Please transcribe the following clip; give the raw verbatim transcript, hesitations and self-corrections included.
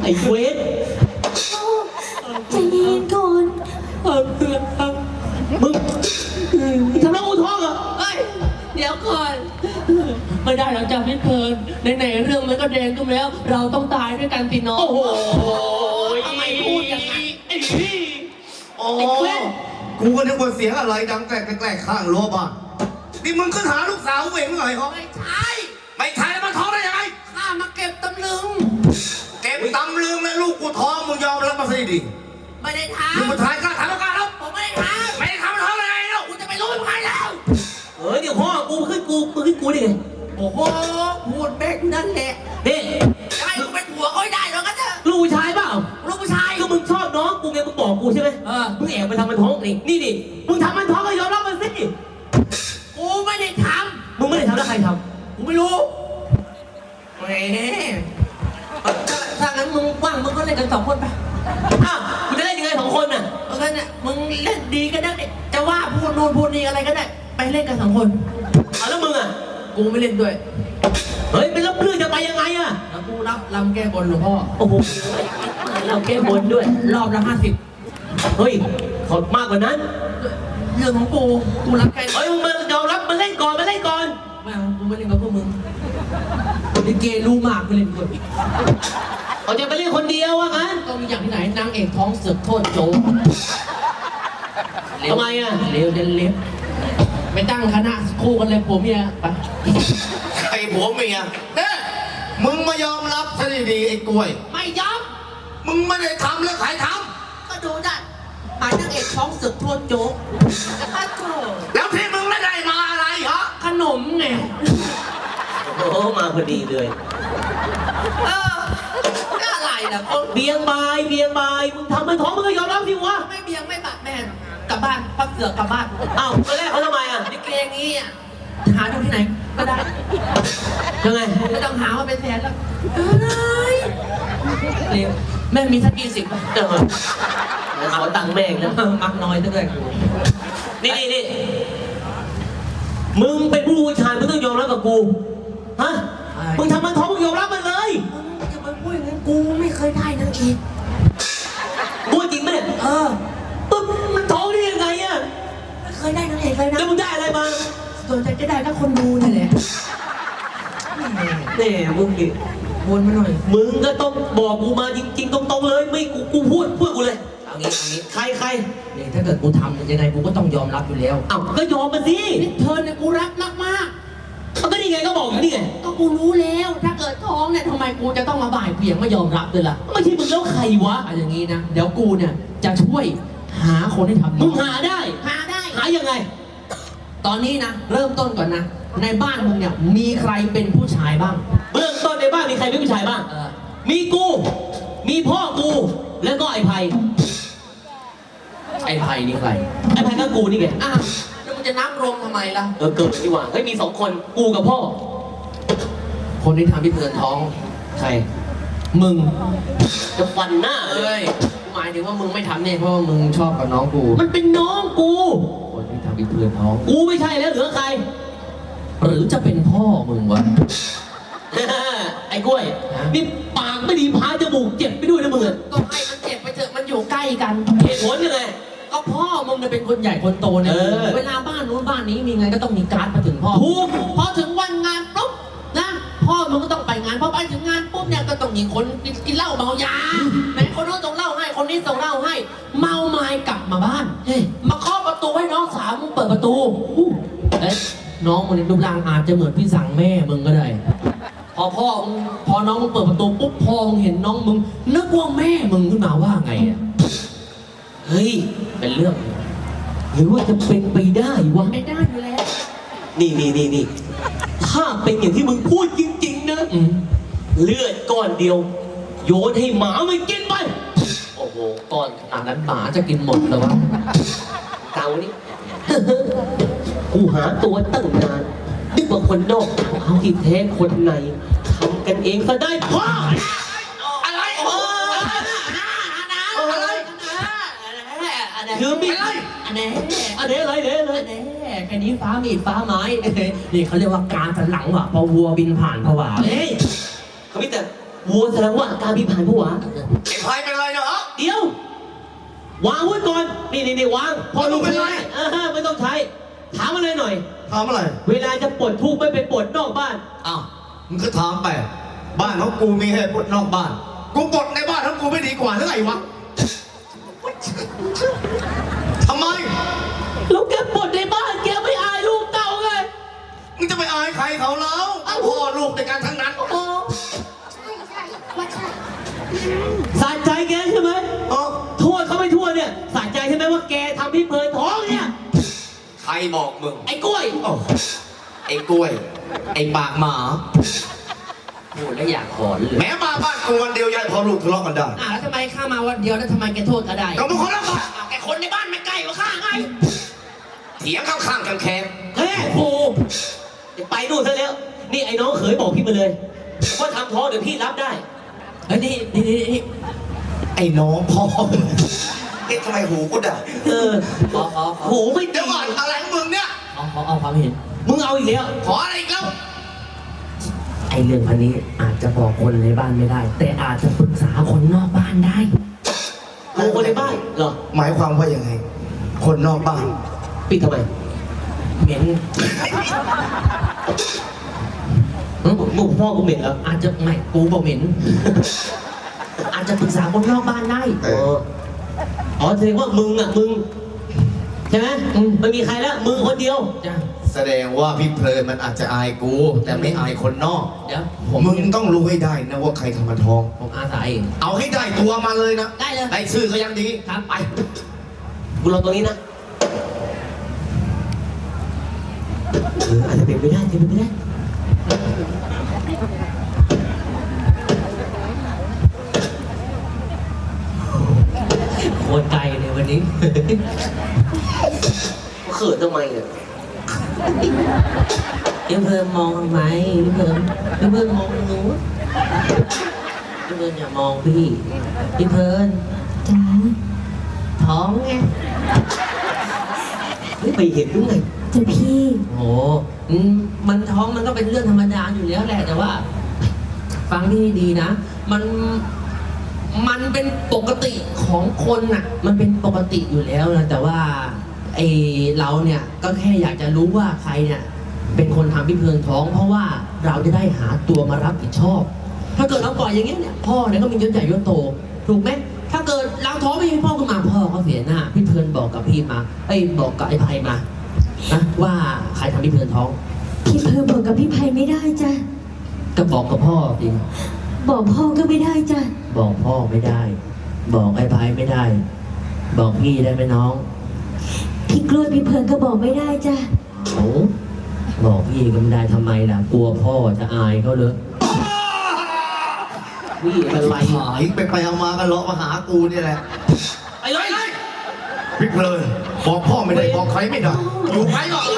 ไอ้เวทใจเย็นก่อนเออเพื่อนครับมึงทำน้องอูท้องเหรอเฮ้ยเดี๋ยวก่อนไม่ได้เราจะไม่เพลินไหนๆเรื่องมันก็แดงขึ้นแล้วเราต้องตายด้วยกันสิน้องโอ้โหทำไมพูดอย่างนั้นไอ้พี่โอ้กูก็นึกว่าเสียงอะไรดังแกล้งๆข้างรั้วบ้านนี่มึงขึ้นหาลูกสาวเองหน่อยเขาไม่ใช่ไม่ใช่แล้วมันท้องได้ยังไงข้ามาเก็บตำลึงเก็บตำลึงแล้วลูกกูท้องมึงยอมรับมาสิดิไม่ได้ทำมึงมาถ่ายกล้าถ่ายแล้วกล้าแล้วผมไม่ได้ทำไม่ได้ทำมันท้องได้ไงเนาะกูจะไปรู้ยังไงแล้วเฮ้ยเดี๋ยวพ่อกูขึ้นกูมึงขึ้นกูดิโอ้โหพูดเบ๊กนั่นแหละนี่จะให้กูเป็นผัวเขาได้หรอกันเถอะลูกผู้ชายเปล่าลูกผู้ชายก็มึงชอบน้องกูไงมึงบอกกูใช่ไหมเออมึงแอบไปทำมันท้องนี่นี่ดิมึงทำมันท้องก็ยอมรับมันสิกูไม่ได้ทำมึงไม่ได้ทำแล้วใครทำกูไม่รู้แหมถ้างั้นมึงว่างมึงก็เล่นกันสองคนไปอ้าวมึงจะเล่นยังไงสองคนน่ะเพราะงั้นน่ะมึงเล่นดีก็ได้จะว่าพูดโน่นพูดนี่อะไรก็ได้ไปเล่นกันสองคนเอาแล้วมึงอ่ะกูไม่เล่นด้วยเฮ้ยเป็นรับเรื่องจะไปยังไงอ่ะแล้วกูรับลำแก้บนหลวงพ่อโอ้โหเราแก้บนด้วยรอบละห้าสิบเฮ้ยขอมากกว่านั้นเรื่องของกูกูรับแค่เฮ้ยมึงมายอมรับมาเล่นก่อนมาเล่นก่อนไม่เอากูไม่เล่นกับพวกมึงดิเกรู้มากกูเล่นคนเขาจะไปเล่นคนเดียววะงั้นก็มีอย่างที่ไหนนางเอกท้องเสือกโทษโจทำไมอ่ะเร็วเดินเล็บไม่ตั้งคณะคู่กันเลยผัวเมียไปใครผัวเมียเนี่ยมึงมายอมรับซะดีๆไอ้กล้วยไม่ยอมมึงไม่ได้ทำแล้วใครทำก็ดูได้หายนางเอกท้องเสือกโทษโจแล้วที่มึงไม่ได้มาอะไรเหรอขนมไงโอ้มาพอดีเลยเอออะไรนะเบียงบายเบียงบายมึงทำมันท้องมึงก็ยอมรับสิวะไม่เบียงไม่บาดแม่กลับบ้านพักเสือกกลับบ้านอ้าวตอนแรกเขาทำไมอ่ะนี่เกงนี้อ่ะหาดูที่ไหนก็ได้ยังไงไม่ต้องหาว่าเป็นแฟนแล้วเอ้ยเร็วแม่มีสักกี่สิบเดี๋ยวขอตังค์แม่แล้วมักน้อยด้วยนี่นี่นี่มึงเป็นผู้ชายมึงต้องยอมรับกับกูฮะมึงทำมันท้องมึงยอมรับมันเลยมึงจะมาพูดอย่างนั้นกูไม่เคยได้นางเอกพูดจริงไหมเนี่ยเออปึ๊บมันท้องได้ยังไงอ่ะไม่เคยได้นางเอกเลยนะแล้วมึงได้อะไรมาส่วนใหญ่จะได้แค่คนดูนี่แหละแน่มึงดิวนมาหน่อยมึงก็ต้องบอกกูมาจริงๆตรงๆเลยไม่กูกูพูดพูดกูเลยเอางี้เอางี้ใครใครเนี่ยถ้าเกิดกูทำยังไงกูก็ต้องยอมรับอยู่แล้วอ้าวก็ยอมมาสินี่เธอเนี่ยกูรักมากมากมันก็นี่ไงก็บอกอยู่นี่ไงก็กูรู้แล้วถ้าเกิดท้องเนี่ยทำไมกูจะต้องมาบ่ายเบี่ยงไม่ยอมรับด้วยล่ะไม่ใช่มึงแล้วใครวะอย่างงี้นะเดี๋ยวกูเนี่ยจะช่วยหาคนที่ทำมึงหาได้หาได้หายังไงตอนนี้นะเริ่มต้นก่อนนะในบ้านมึงเนี่ยมีใครเป็นผู้ชายบ้างเบื้องต้นในบ้านมีใครเป็นผู้ชายบ้างมีกูมีพ่อกูแล้วก็ไอ้ไผ่ไอ้ไผ่นี่ใครไอ้ไผ่ก็กูนี่ไงอ้าวแล้วมันจะนับรวมทำไมล่ะเออเกิดดีกว่าเฮ้ยมีสองคนกูกับพ่อคนที่ทำพี่เตือนท้องใครมึงจะฟันหน้าเลยหมายถึงว่ามึงไม่ทำเนี่ยเพราะว่ามึงชอบกับน้องกูมันเป็นน้องกูคนที่ทำพี่เตือนท้องกูไม่ใช่แล้วเหลือใครหรือจะเป็นพ่อมึงวะไอ้กล้วยนี่ปากไม่ดีพาจมูกเจ็บไปด้วยนะมึงก็ให้มันเจ็บไปเถอะมันอยู่ใกล้กันเหตุผลยังไงก็พ่อมึงเนี่ยเป็นคนใหญ่คนโตเนี่ยเวลาบ้านนู้นบ้านนี้มีไงก็ต้องมีการ์ดมาถึงพ่อถูกพอถึงวันงานปุ๊บนะพ่อมึงก็ต้องไปงานพอไปถึงงานปุ๊บเนี่ยก็ต้องมีคนกินเหล้าเมายาไหนคนนู้นส่งเหล้าให้คนนี้ส่งเหล้าให้เมาไม้กลับมาบ้านเฮ้ยมาเคาะประตูให้น้องสาวมึงเปิดประตูเอ๊ะน้องมึงในรูปร่างอาจจะเหมือนพี่สั่งแม่มึงก็ได้พอพ่อมึงพอน้องมึงเปิดประตูปุ๊บพ่อมึงเห็นน้องมึงนึกว่าแม่มึงขึ้นมาว่าไงอ่ะเฮ้ยเป็นเรื่องหรือว่าจะเป็นไปได้วะไม่ได้อยู่แล้วนี่นี่นี่นี่ถ้าเป็นอย่างที่มึงพูดจริงๆนะเลือดก้อนเดียวโยนให้หมามันกินไปโอ้โหก้อนขนาดนั้นหมาจะกินหมดเลยวะเต่านี่กูหาตัวตั้งนานนึกว่าคนนอกเขาที่แท้คนในทำกันเองก็ได้พ่ออะไรอะไรคือมีอะไรอันนี้อันนี้อะไรเนี่ยเลยแค่นี้ฟ้ามีดฟ้าไม้นี่เขาเรียกว่าการสันหลังว่ะพอวัวบินผ่านผวาเฮ้ยเขาไม่แต่วัวแสดงว่าอาการพี่ผ่านผู้หวาไอ้พายเป็นไรเนาะเดี๋ยว วางไว้ก่อน นี่นี่นี่วาง พอลูกเป็นไรเออไม่ต้องใช้ ถามอะไรหน่อยถามอะไรเวลาจะปลดทุกข์ไม่ไปปลดนอกบ้านอ้าวมึงก็ถามไปบ้านของกูมีให้ปลดนอกบ้านกูปลดในบ้านของกูไม่ดีกว่าหรือไงวะทำไมแล้วแกปลดในบ้านแกไม่อายลูกเต่าไงมึงจะไปอายใครเขาแล้วเอาพ่อลูกในการทั้งนั้นโอ้ใช่ใช่ว่าใช่สะใจแกใช่ไหมเออทั่วเขาไม่ทั่วเนี่ยสะใจใช่ไหมว่าแกทำพี่เพลินท้องเนี่ยใครบอกมึงไอ้กล้วยโอ้ไอ้กล้วย ไอ้ปากหมาพูดแล้วอยากขอนเลยแม้มาบ้านกูวันเดียวยายพอลูกทะเลาะกันได้อ่ะแล้วทำไมข้ามาวันเดียวแล้วทำไมแกโทษก็ได้ก็มึงคนละบ้านอ่ะแกคนในบ้านไม่ใกล้กว่าข้าไงเถียงข้างๆกันแคมเฮ้ยโอ้เดี๋ยวไปนู่นซะแล้ว นี่ไอ้น้องเขยบอกพี่มาเลย ว่าทำท้องเดี๋ยวพี่รับได้ เฮ้ยนี่นี่นี่นี่ไอ้น้องพ่อเอ๊ะทำไมหูกูด่าเออขอขอขอหูไม่เดี๋ดียวก่อนอะไรของมึงเนี่ยขอขอเอาความเห็น มึงเอาอีกแล้วขออะไรอีกแล้วไอ้เรื่องพันนี้อาจจะบอกคนในบ้านไม่ได้ แต่อาจจะปรึกษาคนนอกบ้านได้รู้คนในบ้านเหรอหมายความว่ายังไง คนนอกบ้านปิดทำไม เหม็นเออมึงพ่อกูเหม็นแล้วอาจจะไม่กูบอกเหม็น อาจจะปรึกษาคนนอกบ้านได้เอออ๋อแสดงว่ามึงอ่ะมึงใช่ไหมไม่มีใครแล้วมึงคนเดียวจ้ะแสดงว่าพี่เพลินมันอาจจะอายกู แต่ไม่อายคนนอกเดี๋ยวผมมึงต้องรู้ให้ได้นะว่าใครทำมาท้องผมอาสาเองเอาให้ได้ตัวมาเลยนะได้เลยได้ชื่อก็ยังดีครับไปกูรอตรงนี้นะเอออาจจะเป็นไปได้เป็นไปได้โคตรไกลเลยวันนี้ เขินทำไมเนี่ยพี่เพิ่มมองทำไมพี่เพิ่มพี่เพิ่มมองหนูพี่เพิ่มอย่ามองพี่พี่เพิ่มจ้าท้องไงไม่ไปเห็นหรือไงจ้าพี่โอ้อืมมันท้องมันก็เป็นเรื่องธรรมดาอยู่แล้วแหละแต่ว่า ฟังที่ดีนะ มัน มันเป็นปกติของคนน่ะ มันเป็นปกติอยู่แล้วนะแต่ว่าไอเราเนี่ยก็แค่อยากจะรู้ว่าใครเนี่ย เป็นคนทำพี่เพลิงท้อง เพราะว่าเราจะได้หาตัวมารับผิดชอบ ถ้าเกิดเราปล่อยอย่างเงี้ยเนี่ยพ่อเนี่ยก็มียศใหญ่ยศโต ถูกไหมถ้าเกิดเราท้องไม่มีพ่อขึ้นมาพ่อเขาเสียหน้าพี่เพลินบอกกับพี่มาไอ้ยบอกกับไอ้ไพมานะว่าใครทำพี่เพลินท้องพี่เพอบอกกับพี่ไพไม่ได้จ้ะก็บอกกับพ่อสิบอกพ่อก็ไม่ได้จ้ะบอกพ่อไม่ได้ บอกไอ้ไพไม่ได้ บอกพี่ได้ไหมน้องพี่กล้วยพี่เพลินก็บอกไม่ได้จ้ะโอ้บอกพี่ก็ไม่ได้ทำไมล่ะกลัวพ่อจะอายเขาเลยพี่เป็นไรหายไปไปเอามากันเลาะมาหากูเนี่ยแหละไปเลยพี่เพลินบอกพ่อไม่ได้บอกใครไม่ได้อยู่ไปหรอก